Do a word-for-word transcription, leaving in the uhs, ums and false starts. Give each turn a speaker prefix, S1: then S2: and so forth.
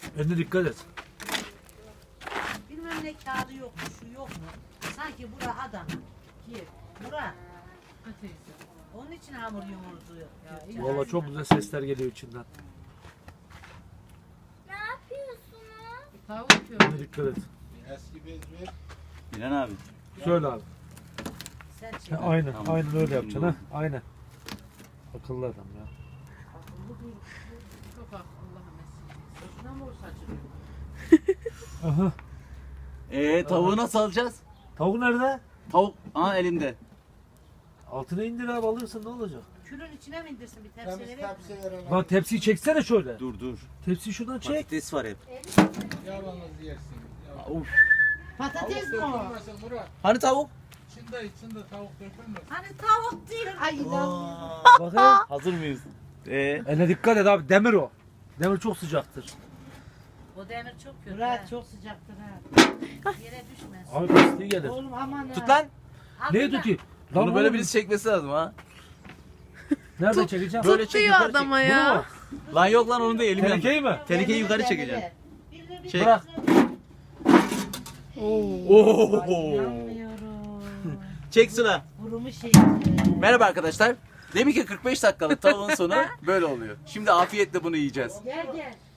S1: Eline dikkat et.
S2: Bilmem ne kağıdı yok mu, şu yok mu? Sanki bura Adana. Ki bura. Onun için hamur yumurdu. Ya,
S1: Valla çok güzel sesler geliyor içinden.
S3: Ne yapıyorsunuz?
S4: Tavuk yapıyorum.
S1: Eline dikkat et.
S5: Eski bez ver.
S6: İlhan abi.
S1: Söyle abi.
S2: Sen
S1: Ha,
S2: şey.
S1: aynen,
S6: Tamam.
S1: aynen öyle yapacaksın ha. Aynen. Akıllı adam ya.
S4: Çok Allah'a mesleği. Boşuna mı saçılıyor?
S1: Aha.
S6: Ee tavuğu nasıl alacağız?
S1: Tavuk nerede?
S6: Tavuk aha elimde.
S1: Altına indir abi, alırsın, ne olacak?
S2: Külün içine mi indirsin bir
S5: Temiz
S2: tepsiye vereyim mi?
S5: tepsi ver.
S1: Lan tepsiyi çeksene şöyle.
S6: Dur dur.
S1: Tepsiyi şuradan çek.
S6: Patates var hep.
S5: Yalnız yersin. Ya.
S6: Uf.
S2: Patates mi o?
S5: Dökülmesin Murat.
S6: Hani tavuk?
S5: İçinde içinde tavuk dökülmesin.
S2: Hani tavuk değil. Ay inanmıyorum.
S1: Bakayım.
S6: Hazır mıyız? Ee,
S1: Eline dikkat et abi, demir o. Demir çok sıcaktır.
S2: O demir çok kötü.
S4: Murat
S2: ha.
S4: çok sıcaktır ha.
S2: Yere düşmez.
S1: Abi pisliği gelir.
S4: Oğlum aman ha.
S6: tut lan.
S2: Al
S1: Neydi
S2: bir
S1: ki? Lan
S6: Bunu böyle
S1: oğlum,
S6: birisi çekmesi lazım ha.
S1: nereden çekeceğim?
S6: Böyle çek
S7: Tutuyor
S6: yukarı çek.
S7: adama
S1: Bunu
S7: ya.
S1: mu?
S6: Lan yok lan onu da elim yandı.
S1: Tehlikeyi mi?
S6: Tehlikeyi yukarı
S2: Demiri,
S6: çekeceğim.
S2: demiri. Birini bir
S6: Çek.
S1: Bırak.
S6: Oo.
S4: İnanmıyorum.
S6: Çek Sıla.
S4: Burumu şey.
S6: Merhaba arkadaşlar. Demin ki kırk beş dakikalık tavuğun sonu böyle oluyor. Şimdi afiyetle bunu yiyeceğiz.
S4: Gel gel.